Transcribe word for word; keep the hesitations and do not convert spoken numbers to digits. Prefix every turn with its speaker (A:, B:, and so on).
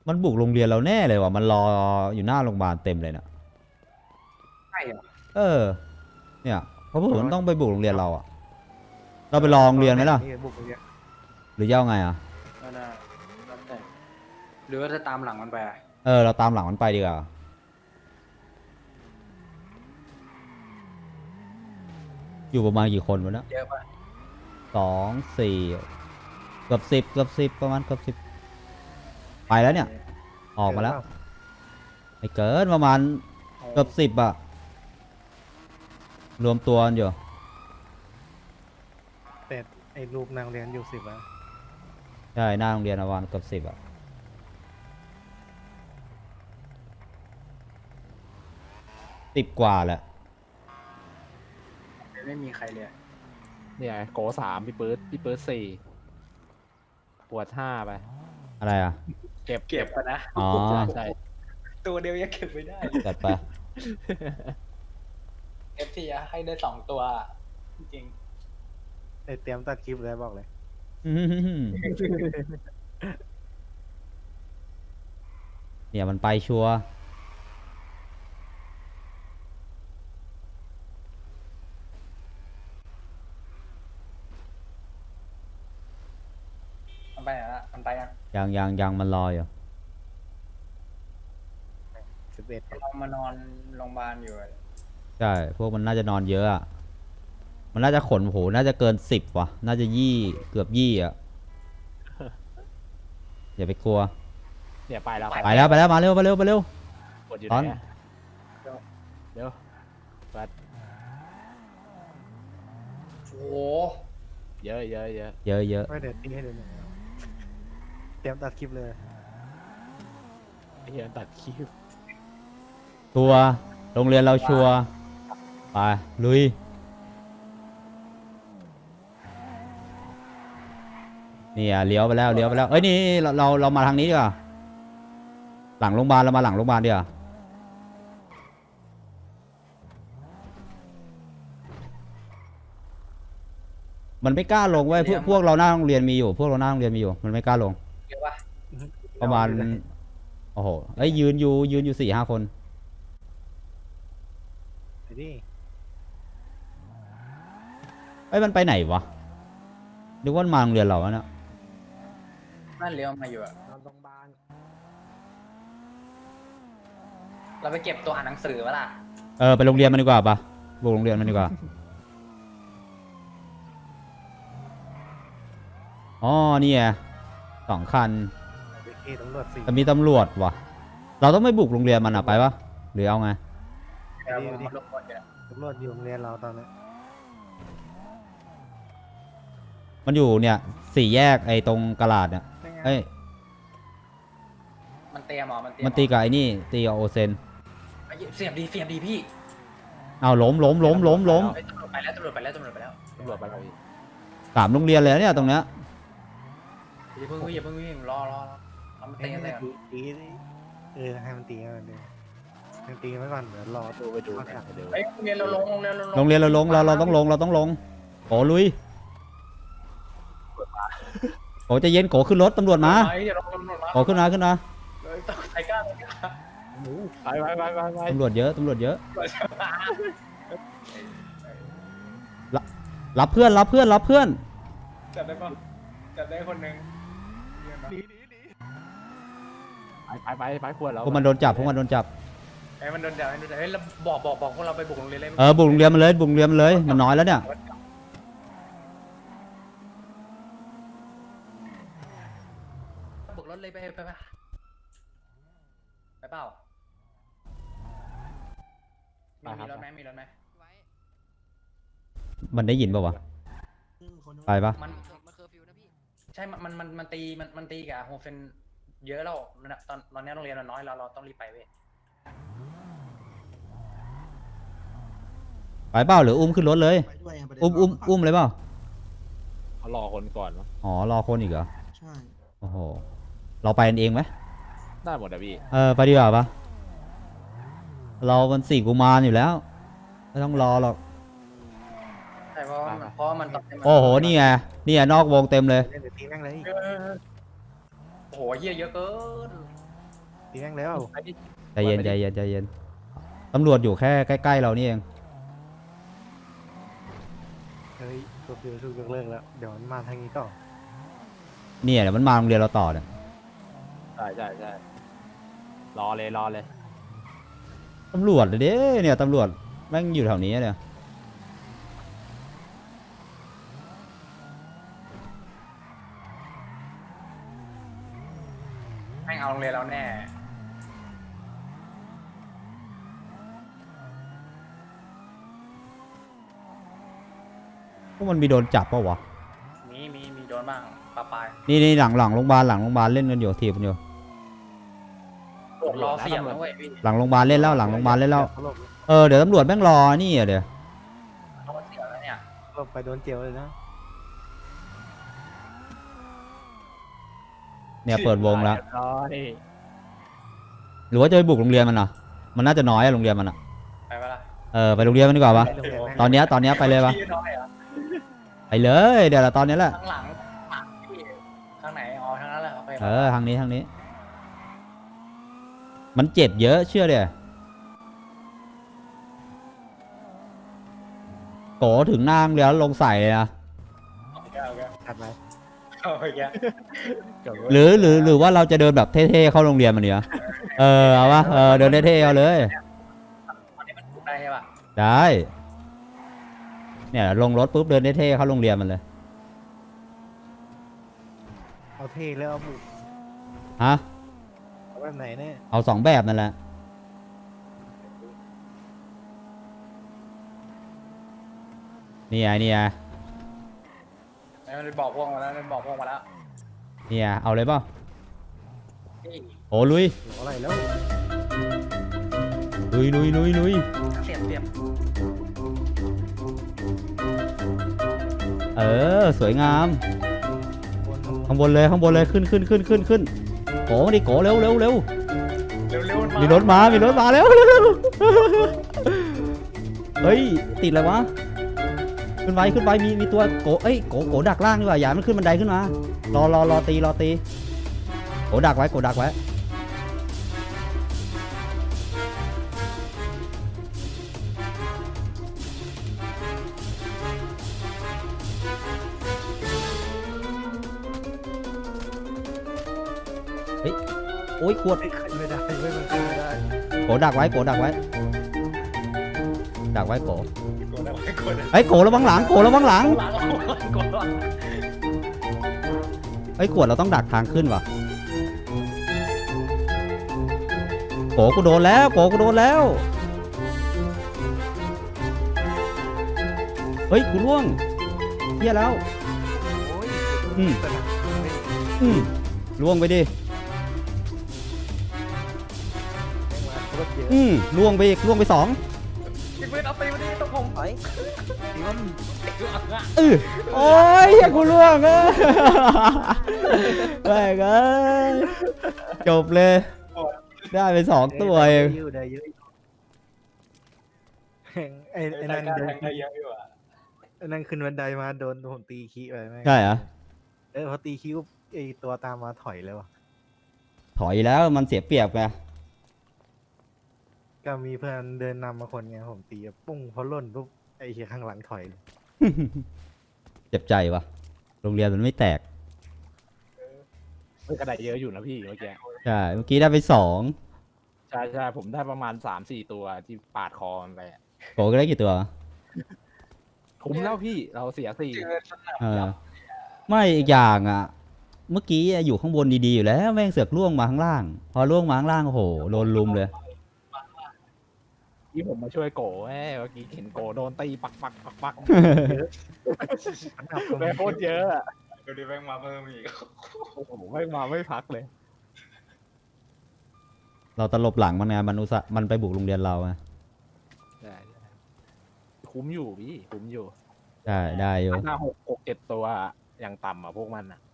A: มันบุกโรงเรียนเราแน่เลยว่ะมันรออยู่หน้าโรงพยาบาลเต็มเลยนะ
B: ใช่เหรอ
A: เออเนี่ยเพราะผมมันต้องไปบุกโรงเรียนเราอะเราไปรอโรงเรียนไหมล่ะ
B: บุกโรงเรียน
A: หรือจะเอาไงอะ
B: ก็ได้แล้วแต่หรือว่าจะตามหลังมันไปอะ
A: เออเราตามหลังมันไปดีกว่าอยู่ประมาณกี่คนวะเนี่ย
B: เยอะปะ
A: สองสี่เกือบสิบเกือบสิบประมาณเกือบสิบไปแล้วเนี่ยออกมาแล้วไม่เกินประมาณเกือบสิบอะรวมตัวกันอยู่
C: แต่ไอ้รูปนางเรียนอยู่สิบอะ
A: ใช่หน้าโรงเรียนประมาณเกือบสิบอะสิบกว่าแหละ
B: ไม่มีใครเลย
D: เนี่ยโกสามพี่เปิร์ดพี่เปิร์ดสี่ปวดห้าไป
A: อะไรอะ
D: เก็บ
B: เก็บปะนะ
A: อ๋อ
D: ใช่
B: ตัวเดียวยังเก็บไม่ได้
A: จัดไป
B: เอฟทีให้ได้สองตัวจริง
C: ไอ้เตรียมตัดคลิปเลยบอกเลย
A: เนี่ยมันไปชัวร์
B: มันไปไหนละมันไปยัง
A: ยังยังยังมันรออยู่
C: สิบเอ็ด
B: เรามานอนโรงพยาบาลอยู่
A: ใช่พวกมันน่าจะนอนเยอะอะมันน่าจะขนโหน่าจะเกินสิบว่ะน่าจะยี่เกือบยี่อะอย่าไปกลัว
D: เนี่ยไปแล้ว
A: ไปแล้วไปแล้วมาเร็วมาเร็วมาเร็ว
D: ปวดอยู่
A: ตอน
D: ไหนเดี๋ยวปัด
B: โอ้
D: เยอะเยอะเยอะ
A: เยอะเยอะ
C: ไม่เดี๋ยวตีให้ดูหน่อยเตรียมตัดคลิปเลย
D: ไอ้เหี้ยตัดคลิป
A: ชัวร์โรงเรียนเราชัวร์ไปลุยนี่อ่ะเลี้ยวไปแล้วเลี้ยวไปแล้วเอ้ยนี่เราเราเรามาทางนี้ดีกว่าหลังโรงพยาบาลเรามาหลังโรงพยาบาลดีกว่ามันไม่กล้าลงเว้ยพวกพวกเราหน้าโรงเรียนมีอยู่พวกเราหน้าโรงเรียนมีอยู่มันไม่กล้าลง
B: เยอะปะ
A: ประมาณโอ้โหเอ้ยยืนอยู่ยืนอยู่สี่ห้าคน
C: ไปดิ
A: เอ้ยมันไปไหนวะนึกว่ามาโรงเรียนเราอะเนี่ย
B: นั่นเลี้ยวมาอยู่อะ
C: โรงพยาบาล
B: เราไปเก็บตัวอ่านหนังสือวะล่ะ
A: เออไปโรงเรียนมันดีกว่าปะบุกโรงเรียนมันดีกว่าอ๋อนี่ไงสองคัน
C: ตำรวจสี่
A: แต่มีตำรวจว่ะเราต้องไม่บุกโรงเรียนมันอะไปปะหรือเอาไง
B: เดี๋ยวผมรบกวนอยู่
C: ตำรวจอยู่โรงเรียนเราตอนนี้
A: มันอยู่เนี่ยสี่แยกไอ้ตรงกลาดเนี่ยเอ้ย
B: มันเตะหมอมันเตะ
A: มันตีกับไอ้นี่ตีกับโอเซน
B: เสียบดีเสียบดีพี่
A: เอาล้มล้มล้มล้มล้ม
B: ตำรวจไปแล้วตำรวจไปแล้วตำรวจไปแล้ว
D: ตำรวจไปแล้วพี่
A: สามโรงเรียนเลยเนี่ยตรงเนี้ย
B: อย่าเพิ่งวิ่งอย่าเพิ่งวิ่งรอรอรอมันเตะกันเลย
C: ตีเออให้มันตีให้มันดูมันตีไว้ก่อนเดี๋ยวรอ
D: ดูไปดูไปดู
B: เฮ้ยโรงเรียนเราลงโรงเรียนเราลง
A: โรงเรียนเราลงเราเราต้องลงเราต้องลงโกลุยโกจะเย็นโกขึ้นรถตำรวจมาโกขึ้นมาขึ้นมา
B: ไทก้า
D: ไปไปไปไปไป
A: ตำรวจเยอะตำรวจเยอะรับเพื่อนรับเพื่อนรับเพื่อน
B: จับได้ปะจับได้คนหนึ่ง
D: ไปไปไปไปควรแล้ว
A: พวกมันโดนจับพวกมันโดนจับ
B: ไอ้มันโดนจับไอ้โดนจับเฮ้ยบอกบอกบอกพวกเราไปบุกโรงเรียนเลย
A: เออบุกโรงเรียนมาเลยบุกโรงเรียนมาเลยมันน้อยแล้วเนี่ย
B: บุกรถเลยไปไปไปไปเปล่ามีรถไหมมีรถไหม
A: มันได้ยินป่าวะไปปะ
B: มันมันเคอร์ฟิวนะพี่ใช่มันมันมันตีมันมันตีกับโฮเฟนเยอะแล้วตอนตอนนี้โรงเรียนเราน้อยเราเราต้องรีบไปเว้ย
A: ไปเปล่าหรืออุ้มขึ้นรถเลยอุ้มอุ้มอุ้มเลยเปล่า
D: เขารอคนก่อนมั้ง
A: อ๋อรอคนอีกเหรอ
C: ใช่
A: โอ้โหเราไปกันเองไหม
D: ได้หมดอะพี่
A: เออไปดีกว่าปะเรามันสี่กุมารอยู่แล้วไม่ต้องรอหรอก
B: ใช่เพราะเพราะมันต้อง
A: โอ้โหนี่ไงนี่ไงนอกวงเต็มเลย
C: เดี๋ยวตีแม่งเลย
B: โอ้โหเยอะเยอะเกิน
C: ตีแม่งแล้ว
D: ไอ้ที่
A: ใจเย็นใจเย็นใจเย็นตำรวจอยู่แค่ใกล้ๆเรานี่เอง
C: เฮ้ยตัวเดียวถูกยกเลิกแล้วเดี๋ยวมันมาทางนี้ต่อ
A: เนี่ยเดี๋ยวมันมาโรงเรียนเราต่อเนี่ย
D: ใช่ใช่ใช่รอเลยรอเลย
A: ตำรวจเลยเด้เนี่ยตำรวจแม่งอยู่แถวนี้เนี่ย
B: แม่งเอาโรงเรียนเราแน่
A: พวกมันมีโดนจับปะวะ
B: มีมีมีโดนบ้างปะปาย
A: นี่นี่หลังหลังโรงพยาบาลหลังโรงพยาบาลเล่นกันอยู่ทีมกันอยู่
B: รอเสียบนะเว้ยพี่
A: หลังโรงพยาบาลเล่นแล้วหลังโรงพยาบาลเล่นแล้ว
C: เขาหลบ
A: เออเดี๋ยวตำรวจแม่งรอนี่อ่ะเดี๋ยว
B: เขาเสียบแล้วเนี่ย
C: หลบไปโดนเจียวเลยนะ
A: เนี่ยเปิดวงแล้ว
D: รอดิ
A: หรือว่าจะไปบุกโรงเรียนมันอ่ะมันน่าจะน้อยอะโรงเรียนมันอ่ะ
B: ไปปะล่ะ
A: เออไปโรงเรียนมันดีกว่าปะ
C: ไปโรงเรียแม่ง
A: ตอนเนี้ยตอนเนี้ยไปเลยปะ
B: พี่น้อยเหรอ
A: ไปเลยเดี๋ยวเราตอนนี้แหละ
B: ข้างหลังหลังพี่ข้างไหนอ๋อทางนั้นแหละโอเค
A: เออทางนี้ทางนี้ มันเจ็บเยอะเชื่อเดี๋ยโกถึงหน้าโรงเรียนแล้วลงใส่เลยนะ
B: โอเคโอเค
C: ถัดไป
B: โอเค
A: หรือหรือหรือว่าเราจะเดินแบบเท่ๆเข้าโรงเรียนมันเนี่ยเออเอาวะเออเดินเท่ๆเอาเลย
B: ตอนนี้มันถูกได้ใช่ปะ
A: ได้เนี่ยลงรถปุ๊บเดินเท่ๆเข้าโรงเรียนมันเลย
C: เอาเท่แล้วเอาบุก
A: ฮะ
C: เอาแบบไหนเนี่ย
A: เอาสองแบบนั่นแหละนี่ไงนี่ไง
B: แล้วมันบอกพวกมาแล้วมันบอกพวกมาแล้ว
A: นี่ไงเอาเลยเปล่า
B: นี่
A: โอ้ลุย
C: หัวอะไรแล้ว
A: ลุยลุยลุยลุย
B: เสียบเสียบ
A: เออสวยงาม
C: บน
A: ข้างบนเลยข้างบนเลยขึ้นขึ้นขึ้นขึ้นขึ้นโกดิโกเร็วเร็วเร็ว
B: เร็วเร็ว
A: มีรถมามีรถมาแล้วเร็วเร็วเฮ้ยติดอะไรวะขึ้นไปขึ้นไปมีมีตัวโกเอ้ยโกโกดักล่างดีกว่าอย่ามันขึ้นบันไดขึ้นมารอรอรอตีรอตีโกดักไว้โกดักไว้เฮ้ยโอ้ยขวด
C: ไม่ขึ้นไม่ได้ไม่มันขึ้นไม่ได้
A: โกดักไว้โกดักไว้ดักไว้โก
B: กดเอาไว้กดเอา
A: ไอ้ยโกระวังหลังโกระวังหลัง
B: หลังเรากดเอา
A: ไอ้ยขวดเราต้องดักทางขึ้นว่ะโกกูโดนแล้วโกกูโดนแล้วเฮ้ยกูล่วงเฮียแล้ว
C: โอ้ย
A: อืม
C: สนามไม่
A: อืมล่วงไปดิ
C: แม่งมาโคตรเยอะ
A: อืมล่วงไปอีกล่วงไปสอง
B: พี่ปืนเอาตีมาดิต้องผม
C: ไปตีมัน
A: เออโอ้ยเฮียกูล่วงเออแม่งเอ้ยจบเลยได้ไปสองตัวเอง
C: ได้ยู่ได้เยอะแม่งไอ้ไอ้นั่น
B: การ
C: เดิน
B: แทงได้เยอะอยู่อ่ะ
C: ไอ้นั่นขึ้นบันไดมาโดนผมตีขี้ไปแม่ง
A: ใช่เหรอ
C: เออพอตีคิ้วไอตัวตามมาถอยเลยวะ
A: ถอยแล้วมันเสียเปรียบไง
C: ก็มีเพื่อนเดินนำมาคนไงผมตีปุ้งพอล่นปุ๊บไอเฮียข้างหลังถอยเลย
A: เจ็บใจวะโรงเรียนมันไม่แตก
D: เฮ้ยกระไดเยอะอยู่นะพี่เมื่อกี้
A: ใช่เมื่อกี้ได้ไปสอง
D: ใช่ใช่ผมได้ประมาณสามสี่ตัวที่ปาดคอมันไปอะ
A: โกก็ได้กี่ตัววะ
D: คุ้มแล้วพี่เราเสียสี่
B: เจอสนาม
A: เออไม่อีกอย่างอ่ะ เมื่อกี้อยู่ข้างบนดีๆอยู่แล้วแม่งเสือกล่วงมาข้างล่าง พอล่วงมาข้างล่างโอ้โหโดนลุมเลย
D: ที่ผมมาช่วยโกแม่เมื่อกี้เห็นโกโดนตีปักปักปักปัก
C: อันดับตรง
D: แม่
C: นี้
D: โคตรเยอะอะ
B: เดี๋ยวนี้แม่งมาเพิ่มอีก
D: โอ้โหไม่มาไม่พักเลย
A: เราตลบหลังมันไงมันอุตส่าห์มันไปบุกโรงเรียนเราไง
D: ใช่ใช่คุ้มอยู่พี่คุ้มอยู่
A: ใช่ได้อยู่
D: ห้าหกหกเจ็ดตัวอย่างต่ำอ่ะพวกมันอ่ะ